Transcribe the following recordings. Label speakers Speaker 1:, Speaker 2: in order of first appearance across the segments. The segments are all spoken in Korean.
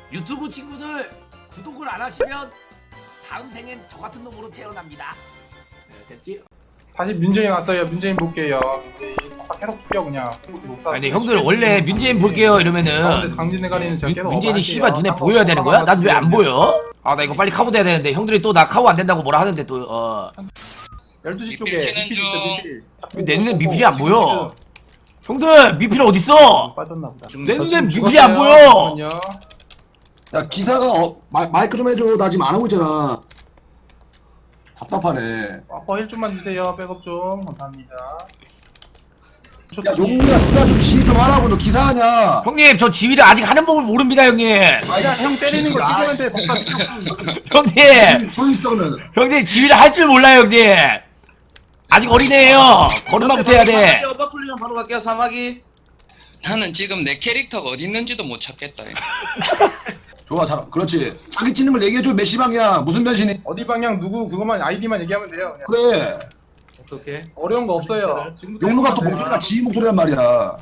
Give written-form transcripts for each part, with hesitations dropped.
Speaker 1: 유튜브 친구들 구독을 안 하시면 다음 생엔 저 같은 놈으로 태어납니다. 네, 됐지?
Speaker 2: 다시 민재인 왔어요. 민재인 볼게요. 민재인 계속 죽여 그냥.
Speaker 1: 아니 근데 형들 원래 문재인 볼게요 이러면은
Speaker 2: 강진의 가리는 제가 계속
Speaker 1: 문재인이 씨발 눈에 보여야 되는 거야? 난 왜 안 보여? 아 나 이거 빨리 카고 돼야 되는데 형들이 또 나 카고 안 된다고 뭐라 하는데 또
Speaker 2: 12시 쪽에 미필 있어 미필.
Speaker 1: 내 눈에 미필이 안 보여. 형들 미필 어딨어?
Speaker 2: 빠졌나 보다.
Speaker 1: 내 눈에 미필이 안 보여.
Speaker 3: 야 기사가 마이크 좀 해줘. 나 지금 안 하고 있잖아. 답답하네.
Speaker 2: 아빠 1좀만 주세요. 백업 좀 감사합니다.
Speaker 3: 야 용무야 누가 좀 지휘 좀 하라고. 너 기사하냐?
Speaker 1: 형님 저 지휘를 아직 하는 법을 모릅니다 형님.
Speaker 2: 아야 형 때리는 거 기사한테 법사
Speaker 1: 형님
Speaker 3: 서 있어 그러면.
Speaker 1: 형님 지휘를 할 줄 몰라요 형님. 아직 어린애예요. 걸음마부터 해야 돼.
Speaker 4: 오빠 풀리면 바로 갈게요. 사마귀.
Speaker 5: 나는 지금 내 캐릭터가 어디 있는지도 못 찾겠다.
Speaker 3: 좋아 잘 그렇지. 자기 찍는 걸 얘기해줘. 몇 시 방향 무슨 변신이.
Speaker 2: 어디 방향 누구 그것만 아이디만 얘기하면 돼요. 그냥.
Speaker 3: 그래.
Speaker 4: 오케이.
Speaker 2: 어려운 거 없어요.
Speaker 3: 용무가 또 목소리가 지휘 목소리란 말이야.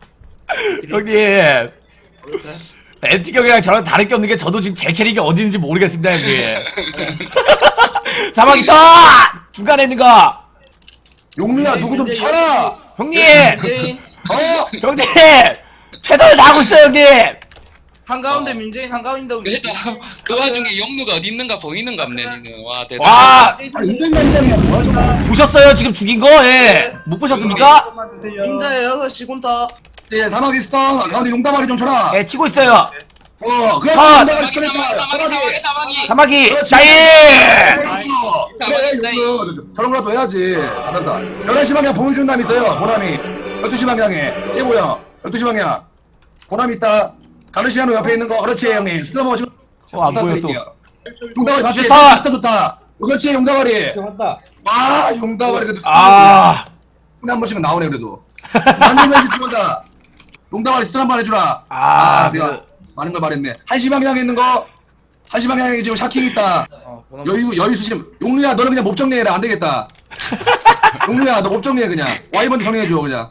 Speaker 1: 형님 엔티 형이랑 저랑 다를 게 없는 게 저도 지금 제 캐릭이 어디 있는지 모르겠습니다 형님. 사막이 떠! 중간에 있는 거
Speaker 3: 용무야 누구 좀 쳐라.
Speaker 1: 형님!
Speaker 4: 민재인.
Speaker 1: 형님! 최선을 다하고 있어요 형님!
Speaker 4: 한가운데 민재인 한가운데
Speaker 5: 그래도 그 와중에 영누가 어디 있는가 보이는가 없네 니는. 와 대단.
Speaker 1: 와!
Speaker 3: 아니 인간장이야 뭐야 저거.
Speaker 1: 보셨어요 지금 죽인 거? 예! 못 보셨습니까?
Speaker 4: 임자의 6시 곤타.
Speaker 3: 예 사막 있어. 가운데 용다발이 좀 쳐라.
Speaker 1: 예 치고 있어요.
Speaker 3: 그렇지.
Speaker 1: 아,
Speaker 3: 용다발이
Speaker 5: 사마귀
Speaker 3: 쳐냈다.
Speaker 5: 사마귀 사마귀.
Speaker 1: 사마귀
Speaker 3: 그렇지.
Speaker 1: 나이!
Speaker 3: 그래 용무 저런 거라도 해야지. 잘한다. 11시 방향 보여주는 남 있어요. 보람이 12시 방향에 깨 보여. 12시 방향 보람이 있다. 가르시아노 옆에 있는 거. 그렇지 형님. 스타버 지금
Speaker 1: 안 보여,
Speaker 3: 부탁드릴게요. 용다발이 봤지?
Speaker 1: 좋다.
Speaker 3: 스타 좋다. 그렇지 용다발이. 아 용다발이 그래도
Speaker 1: 아
Speaker 3: 한 번씩은 나오네 그래도. 만들면 들어온다. 용다발이 스타 한번 해주라. 내가 많은 걸 말했네. 1시 방향에 있는 거. 1시 방향에 지금 샤킹 있다. 여유 수심. 용루야 너는 그냥 목 정리해라. 안 되겠다. 용루야 너 목 정리해 그냥. 와이번드 정리해줘 그냥.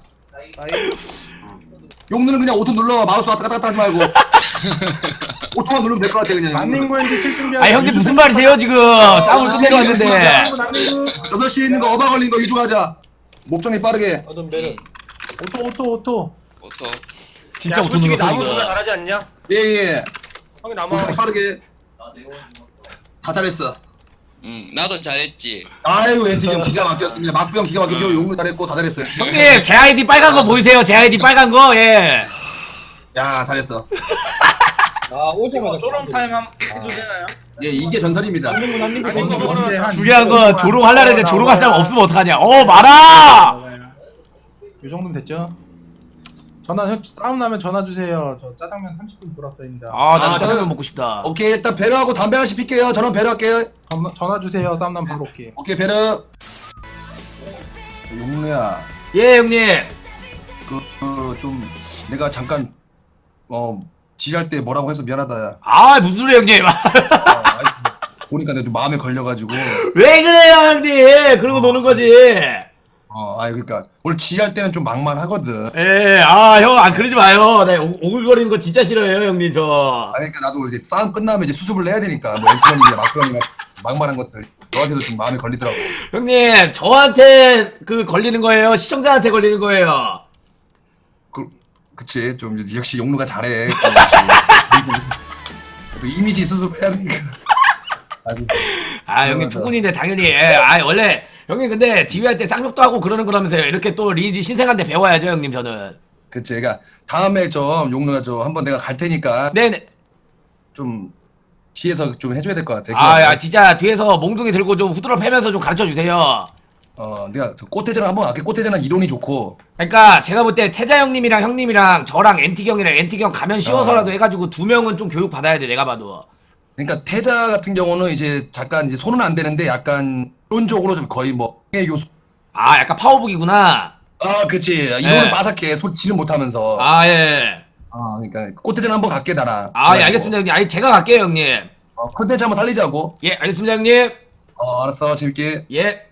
Speaker 3: 용루는 그냥 오토 눌러. 마우스 왔다 갔다 하지 말고. 오토만 누르면 될 것 같아 그냥.
Speaker 2: 난닝구엔지 실 준비.
Speaker 1: 아 형님 무슨 말이세요 지금 싸움을 끝내러 왔는데
Speaker 3: 6시에 있는 거 어바 걸린 거 유주하자. 목 정리 빠르게.
Speaker 2: 오토.
Speaker 5: 오토.
Speaker 1: 진짜 오토 눌렀어
Speaker 6: 나무 누나
Speaker 1: 이거.
Speaker 6: 잘하지 않냐?
Speaker 3: 예예.
Speaker 6: 형이 나무
Speaker 3: 목 정리 빠르게. 다 잘했어.
Speaker 5: 나도 잘했지.
Speaker 3: 아이고 엔티경 기가 막혔습니다. 막병 기가 막혔고 용루 잘했고 다 잘했어요.
Speaker 1: 형님 제 아이디 빨간 거 보이세요? 제 아이디 빨간 거 예.
Speaker 3: 야 잘했어.
Speaker 4: 이거 조롱 타임 한 해도 되나요?
Speaker 3: 예 이게 전설입니다.
Speaker 1: 중요한 건 조롱하려고 했는데 조롱할 사람 없으면 어떡하냐. 말아!
Speaker 2: 이 정도면 됐죠? 전화 싸움 나면 전화 주세요. 저 짜장면 30분 불었어요입니다.
Speaker 1: 난 짜장면 먹고 싶다.
Speaker 3: 오케이 일단 배려하고 담배 하나씩 필게요. 저는 배려할게요.
Speaker 2: 전화 주세요. 싸움 나면 바로 올게.
Speaker 3: 오케이 배려. 용루야
Speaker 1: 예 형님.
Speaker 3: 좀 내가 잠깐 지랄 때 뭐라고 해서 미안하다.
Speaker 1: 무슨 소리야 형님.
Speaker 3: 보니까 내가 좀 마음에 걸려가지고.
Speaker 1: 왜 그래요 형님. 그러고 노는 거지.
Speaker 3: 그러니까 오늘 지랄 때는 좀 막말하거든.
Speaker 1: 예, 형, 그러지 마요. 나 오글거리는 거 진짜 싫어요, 형님, 저.
Speaker 3: 그러니까 나도 이제 싸움 끝나면 이제 수습을 해야 되니까 뭐 엔트런이 막병이 막말한 것들 너한테도 좀 마음에 걸리더라고.
Speaker 1: 형님, 저한테 걸리는 거예요? 시청자한테 걸리는 거예요?
Speaker 3: 그치 좀 역시 용루가 잘해. 또 이미지 수습해야 되니까.
Speaker 1: 형님, 투군인데 당연히. 원래. 형님 근데 지휘할 때 쌍욕도 하고 그러면서요. 이렇게 또 리니지 신생한테 배워야죠 형님 저는.
Speaker 3: 그치 그러니까 다음에 좀 용루가 좀 한번 내가 갈 테니까
Speaker 1: 네네.
Speaker 3: 좀 뒤에서 좀 해줘야 될 것 같아.
Speaker 1: 진짜 뒤에서 몽둥이 들고 좀 후드러 패면서 좀 가르쳐주세요.
Speaker 3: 내가 꽃대전 한번 갈게. 꽃대전은 이론이 좋고.
Speaker 1: 그러니까 제가 볼 때 태자 형님이랑 형님이랑 저랑 엔티경이랑 엔티경 가면 쉬워서라도 해가지고 2명은 좀 교육 받아야 돼 내가 봐도.
Speaker 3: 그러니까 태자 같은 경우는 이제 잠깐 이제 손은 안 되는데 약간 이론적으로 좀 거의 뭐 교수.
Speaker 1: 약간 파워북이구나.
Speaker 3: 그치 이론은 바삭해. 손질은 못하면서.
Speaker 1: 예.
Speaker 3: 그러니까 꽃대전 한번 갈게 나랑.
Speaker 1: 예, 알겠습니다 형님. 제가 갈게요 형님.
Speaker 3: 컨텐츠 한번 살리자고.
Speaker 1: 예, 알겠습니다 형님.
Speaker 3: 알았어 재밌게.
Speaker 1: 예.